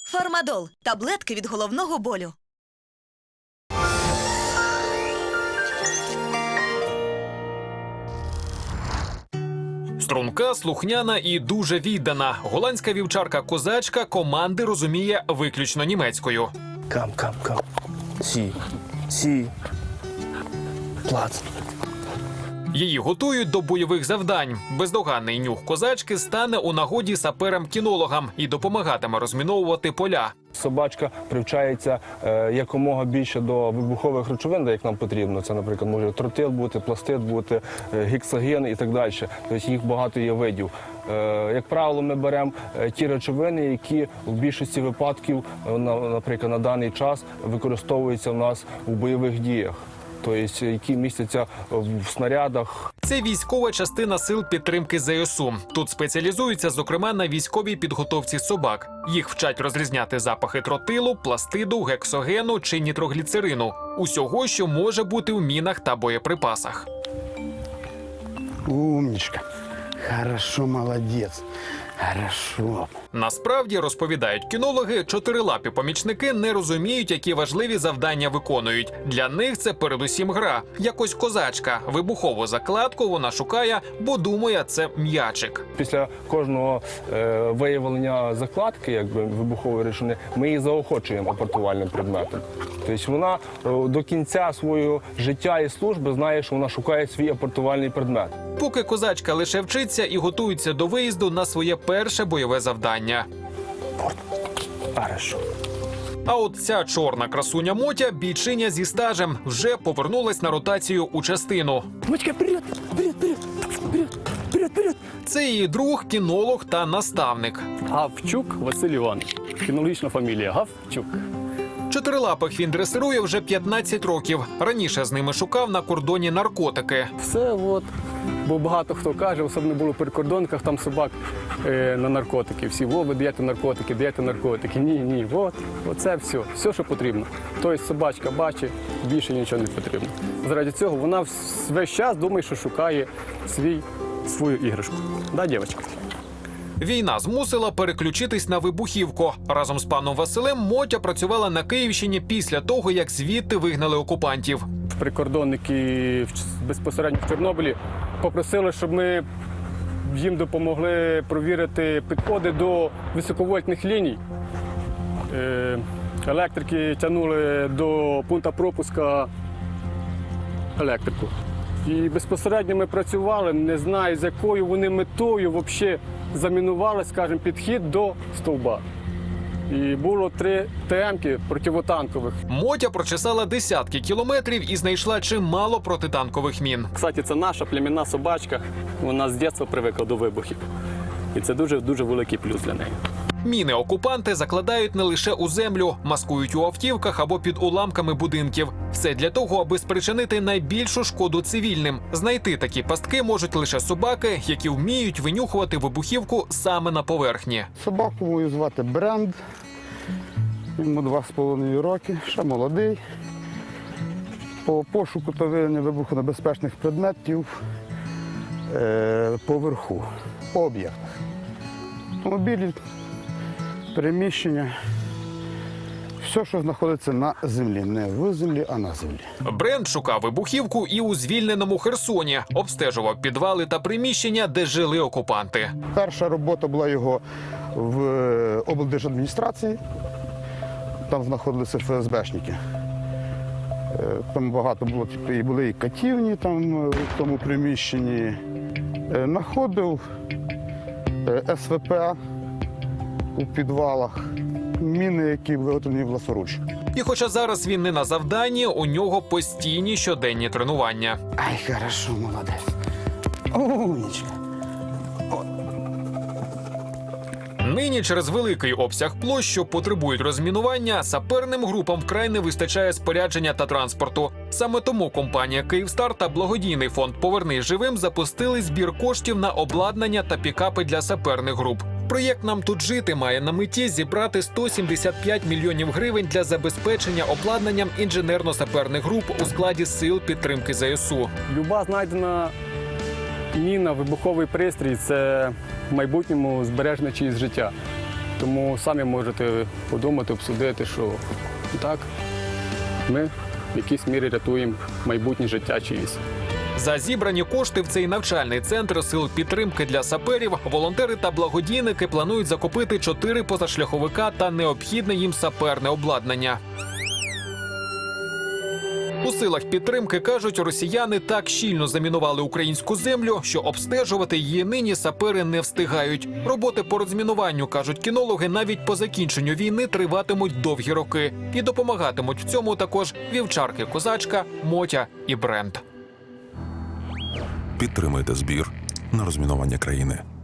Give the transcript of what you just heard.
Фармадол – таблетки від головного болю. Струнка, слухняна і дуже віддана. Голландська вівчарка-козачка команди розуміє виключно німецькою. Кам. Сі. Плац. Її готують до бойових завдань. Бездоганний нюх козачки стане у нагоді саперам-кінологам і допомагатиме розміновувати поля. Собачка привчається якомога більше до вибухових речовин, як нам потрібно. Це, наприклад, може тротил бути, пластид бути, гексоген і так далі. Тобто їх багато є видів. Як правило, ми беремо ті речовини, які в більшості випадків, наприклад, на даний час використовуються в нас у бойових діях. Тобто, які містяться в снарядах. Це військова частина сил підтримки ЗСУ. Тут спеціалізуються, зокрема, на військовій підготовці собак. Їх вчать розрізняти запахи тротилу, пластиду, гексогену чи нітрогліцерину. Усього, що може бути в мінах та боєприпасах. Умничка. Хорошо, молодець. Хорошо. Насправді, розповідають кінологи, чотирилапі помічники не розуміють, які важливі завдання виконують. Для них це передусім гра. Якось козачка. Вибухову закладку вона шукає, бо думає, це м'ячик. Після кожного виявлення закладки, вибухової речовини, ми її заохочуємо апортувальним предметом. Тобто вона до кінця свого життя і служби знає, що вона шукає свій апортувальний предмет. Поки козачка лише вчиться і готується до виїзду на своє перше бойове завдання. Хорошо. А от ця чорна красуня Мотя, бійчиня зі стажем, вже повернулась на ротацію у частину. Мотька, вперед! Це її друг, кінолог та наставник. Гавчук Василь Іванович. Кінологічна фамілія Гавчук. Чотирилапих він дресирує вже 15 років. Раніше з ними шукав на кордоні наркотики. Все от. Бо багато хто каже, особливо було при кордонках, там собак на наркотики. Всі, ви даєте наркотики. Ні, оце все. Все, що потрібно. Тобто собачка бачить, більше нічого не потрібно. Заради цього вона весь час думає, що шукає свою іграшку. Да, дівчинка? Війна змусила переключитись на вибухівку. Разом з паном Василем Мотя працювала на Київщині після того, як звідти вигнали окупантів. Прикордонники безпосередньо в Чорнобилі попросили, щоб ми їм допомогли провірити підходи до високовольтних ліній. Електрики тягнули до пункту пропуска електрику. І безпосередньо ми працювали, не знаю, з якою вони метою взагалі замінували, скажімо, підхід до стовба. І було 3 ТМ-ки противотанкових. Мотя прочесала десятки кілометрів і знайшла чимало протитанкових мін. Кстати, це наша племінна собачка, вона з дитинства привикла до вибухів. І це дуже великий плюс для неї. Міни окупанти закладають не лише у землю, маскують у автівках або під уламками будинків. Все для того, аби спричинити найбільшу шкоду цивільним. Знайти такі пастки можуть лише собаки, які вміють винюхувати вибухівку саме на поверхні. Собаку мою звати Бренд. Йому 2,5 роки, ще молодий. По пошуку та виявленню вибухонебезпечних предметів поверху, по об'єктах. Автомобілі, приміщення, все, що знаходиться на землі. Не в землі, а на землі. Бренд шукав вибухівку і у звільненому Херсоні. Обстежував підвали та приміщення, де жили окупанти. Перша робота була його в облдержадміністрації. Там знаходилися ФСБшники. Там багато було, і були і катівні там, в тому приміщенні. Находив СВП у підвалах, міни, які виготовлені власноруч. І хоча зараз він не на завданні, у нього постійні щоденні тренування. Ай, хорошо, молодець. Умничка. Нині через великий обсяг площ, що потребують розмінування, саперним групам вкрай не вистачає спорядження та транспорту. Саме тому компанія «Київстар» та благодійний фонд «Повернись живим» запустили збір коштів на обладнання та пікапи для саперних груп. Проєкт «Нам тут жити» має на меті зібрати 175 мільйонів гривень для забезпечення обладнанням інженерно-саперних груп у складі сил підтримки ЗСУ. Люба знайдена міна, вибуховий пристрій – це в майбутньому збереження чиїсь життя. Тому самі можете подумати, обсудити, що так, ми в якійсь мірі рятуємо майбутнє життя чиїсь. За зібрані кошти в цей навчальний центр сил підтримки для саперів волонтери та благодійники планують закупити 4 позашляховика та необхідне їм саперне обладнання. У силах підтримки, кажуть, росіяни так щільно замінували українську землю, що обстежувати її нині сапери не встигають. Роботи по розмінуванню, кажуть кінологи, навіть по закінченню війни триватимуть довгі роки. І допомагатимуть в цьому також вівчарки-козачка, Мотя і Бренд. Підтримайте збір на розмінування країни.